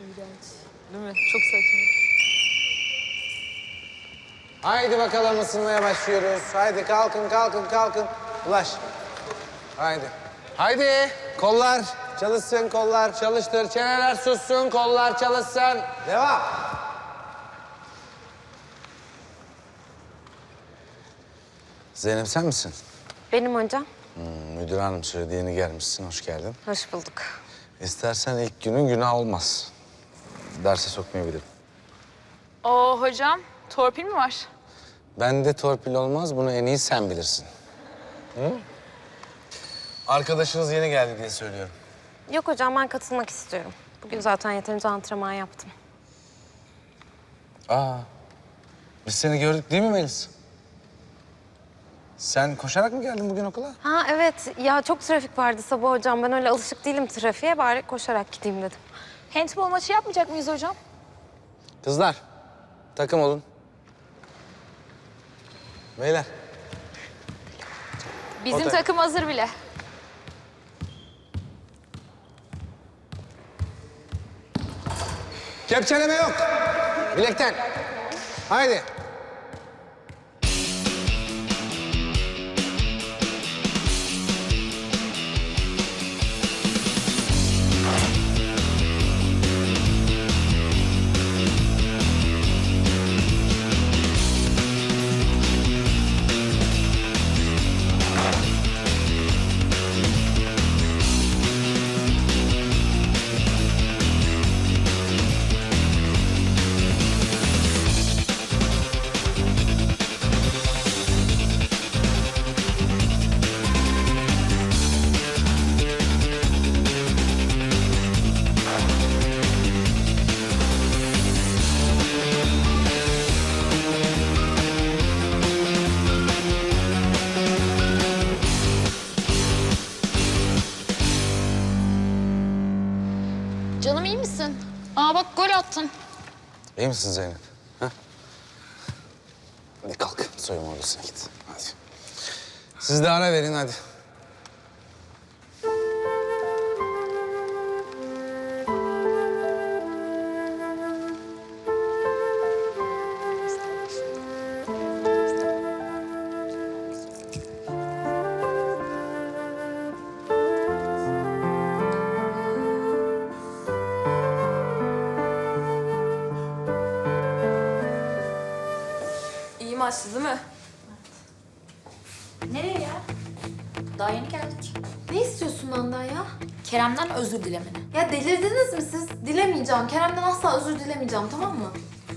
İğrenç. Değil mi? Çok saçma. Haydi bakalım ısınmaya başlıyoruz. Haydi kalkın, kalkın, kalkın. Ulaş. Haydi. Haydi. Kollar çalışsın, kollar çalıştır. Çeneler sussun, kollar çalışsın. Devam. Zeynep sen misin? Benim hocam. Müdür hanım söyledi, yeni gelmişsin. Hoş geldin. Hoş bulduk. İstersen ilk günün günah olmaz. Derse sokmayabilirim. Oo hocam, torpil mi var? Bende torpil olmaz, bunu en iyi sen bilirsin. Hı? Arkadaşınız yeni geldi diye söylüyorum. Yok hocam, ben katılmak istiyorum. Bugün zaten yeterince antrenman yaptım. Biz seni gördük değil mi Melis? Sen koşarak mı geldin bugün okula? Ha evet, ya çok trafik vardı sabah hocam. Ben öyle alışık değilim trafiğe, bari koşarak gideyim dedim. Handball maçı yapmayacak mıyız hocam? Kızlar, takım olun. Beyler. Bizim Otur. takım hazır bile. Kepçeleme yok. Bilekten. Haydi. Canım iyi misin? Aa bak gol attın. İyi misin Zeynep? Ha? Hadi kalk, soyunma odasına git. Hadi. Siz de ara verin hadi. İyi maçtı değil mi? Nereye ya? Daha yeni geldik. Ne istiyorsun benden ya? Kerem'den özür dilemeni. Ya delirdiniz mi siz? Dilemeyeceğim. Kerem'den asla özür dilemeyeceğim, tamam mı?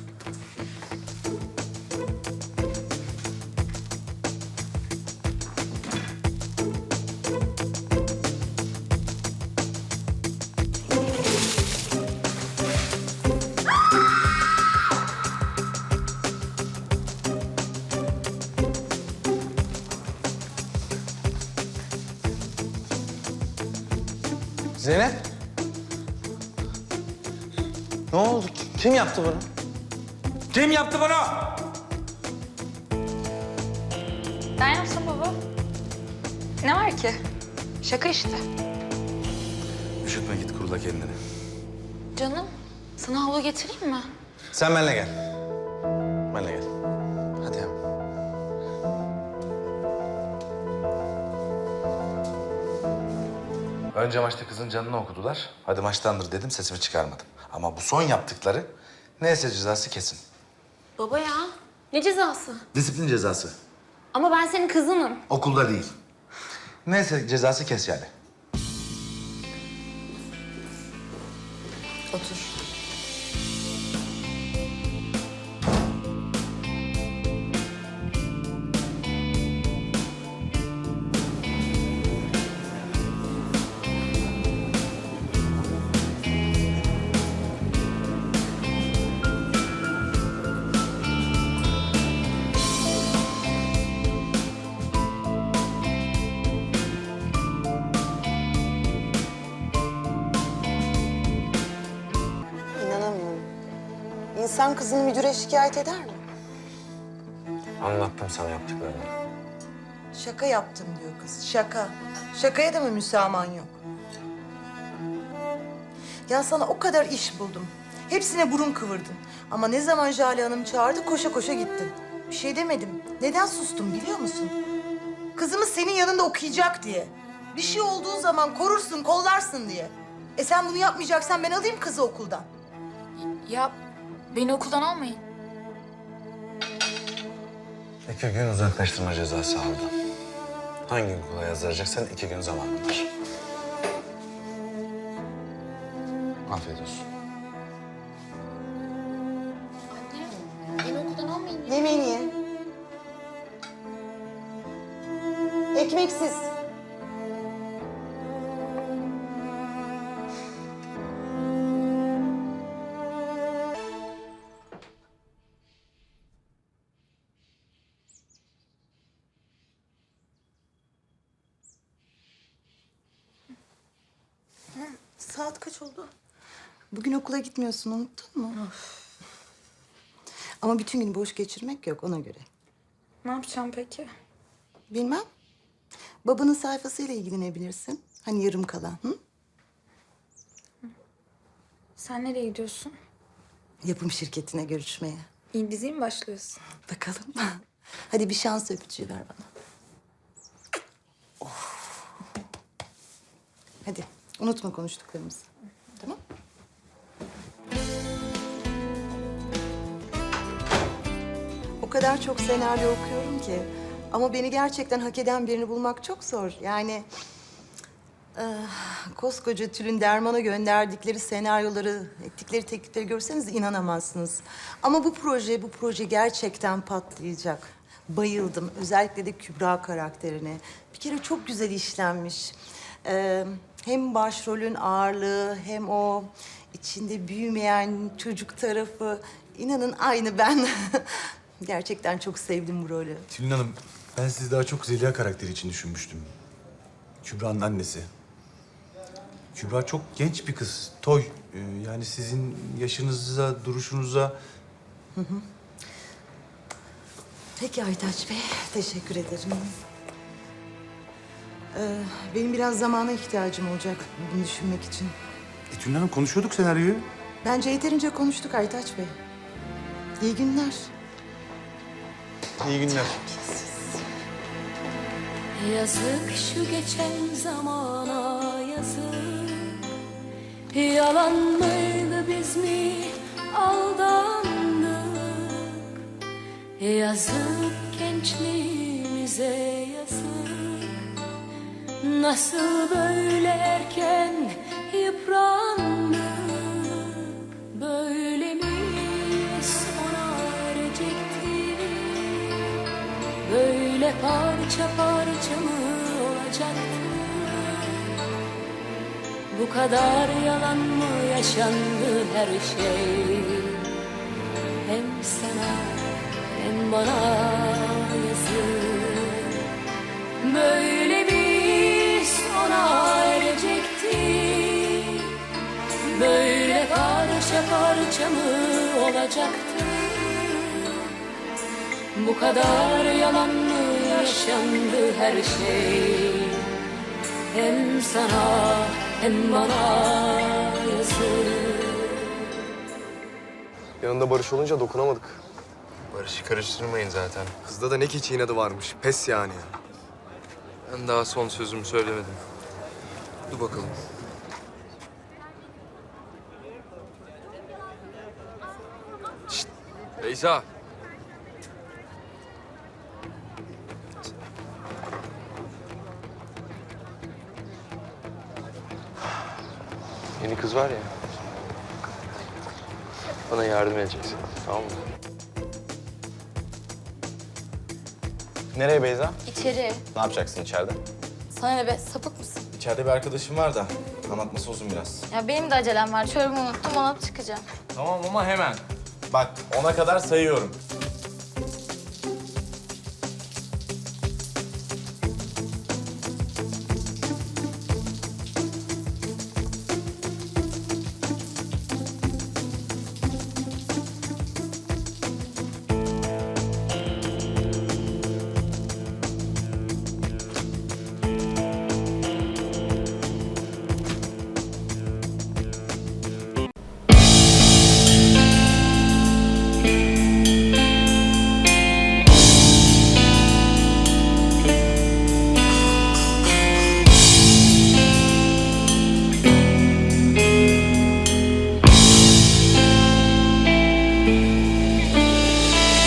Zeynep. Ne oldu? Kim yaptı bunu? Kim yaptı bunu? Ben yapsam baba. Ne var ki? Şaka işte. Üşütme, git kurula kendini. Canım, sana havlu getireyim mi? Sen benimle gel. Benimle gel. Hadi hemen. Önce maçta kızın canını okudular. Hadi maçtandır dedim, sesimi çıkarmadım. Ama bu son yaptıkları neyse cezası kesin. Baba ya, ne cezası? Disiplin cezası. Ama ben senin kızınım. Okulda değil. Neyse cezası kes yani. Otur. İnanamıyorum. İnsan kızını müdüre şikayet eder mi? Anlattım sana yaptıklarını. Şaka yaptım diyor kız, şaka. Şakaya da mı müsamahan yok? Ya sana o kadar iş buldum. Hepsine burun kıvırdın. Ama ne zaman Jale Hanım çağırdı koşa koşa gittin. Bir şey demedim. Neden sustum biliyor musun? Kızımız senin yanında okuyacak diye. Bir şey olduğu zaman korursun, kollarsın diye. Sen bunu yapmayacaksan ben alayım kızı okuldan. Ya beni okuldan almayın. 2 gün uzaklaştırma cezası aldı. Hangi okula yazdıracaksan 2 gün zamanın var. Afiyet olsun. Beni okuldan almayın. Yemeğini ye. Ekmeksiz. Saat kaç oldu? Bugün okula gitmiyorsun, unuttun mu? Ama bütün gün boş geçirmek yok, ona göre. Ne yapacağım peki? Bilmem. Babanın sayfasıyla ilgilenebilirsin. Hani yarım kalan, hı? Sen nereye gidiyorsun? Yapım şirketine görüşmeye. İyi diziye mi başlıyorsun? Bakalım. Hadi bir şans öpücüğü ver bana. Hadi, unutma konuştuklarımızı. Tamam? O kadar çok senaryo okuyorum ki. Ama beni gerçekten hak eden birini bulmak çok zor. Yani koskoca Tülin Derman'a gönderdikleri senaryoları, ettikleri teklifleri görseniz inanamazsınız. Ama bu proje gerçekten patlayacak. Bayıldım. Özellikle de Kübra karakterine. Bir kere çok güzel işlenmiş. Hem başrolün ağırlığı hem o içinde büyümeyen çocuk tarafı. İnanın aynı ben. Gerçekten çok sevdim bu rolü. Tülin Hanım, ben sizi daha çok Zeliha karakteri için düşünmüştüm. Kübra'nın annesi. Kübra çok genç bir kız, toy. Yani sizin yaşınıza, duruşunuza... Peki Aytaç Bey, teşekkür ederim. Benim biraz zamana ihtiyacım olacak bunu düşünmek için. Tülin Hanım konuşuyorduk senaryoyu. Bence yeterince konuştuk Aytaç Bey. İyi günler. İyi günler. Yazık şu geçen zamana yazık. Yalan mıydı biz mi aldandık? Yazık gençliğimize yazık. Nasıl böyle erken yıprandık? Böyle mi sona erecektik? Böyle parça parça mı olacaktı? Bu kadar yalan mı yaşandı her şey? Hem sana hem bana yazık. Böyle mi sona erecekti? Böyle parça parça mı olacaktı? Bu kadar yalan mı yaşandı her şey? Hem sana hem bana yazık. Yanında Barış olunca dokunamadık. Barış'ı karıştırmayın zaten. Kızda da ne keçi inadı varmış. Pes yani. Ben daha son sözümü söylemedim. Dur bakalım. Şşt! Beyza! Yeni kız var ya. Bana yardım edeceksin. Tamam mı? Nereye Beyza? İçeri. Ne yapacaksın içeride? Sana ne be, sapık mısın? İçeride bir arkadaşım var da anlatması uzun biraz. Ya benim de acelem var. Çorabımı unuttum, alıp çıkacağım. Tamam ama hemen. Bak 10'a kadar sayıyorum.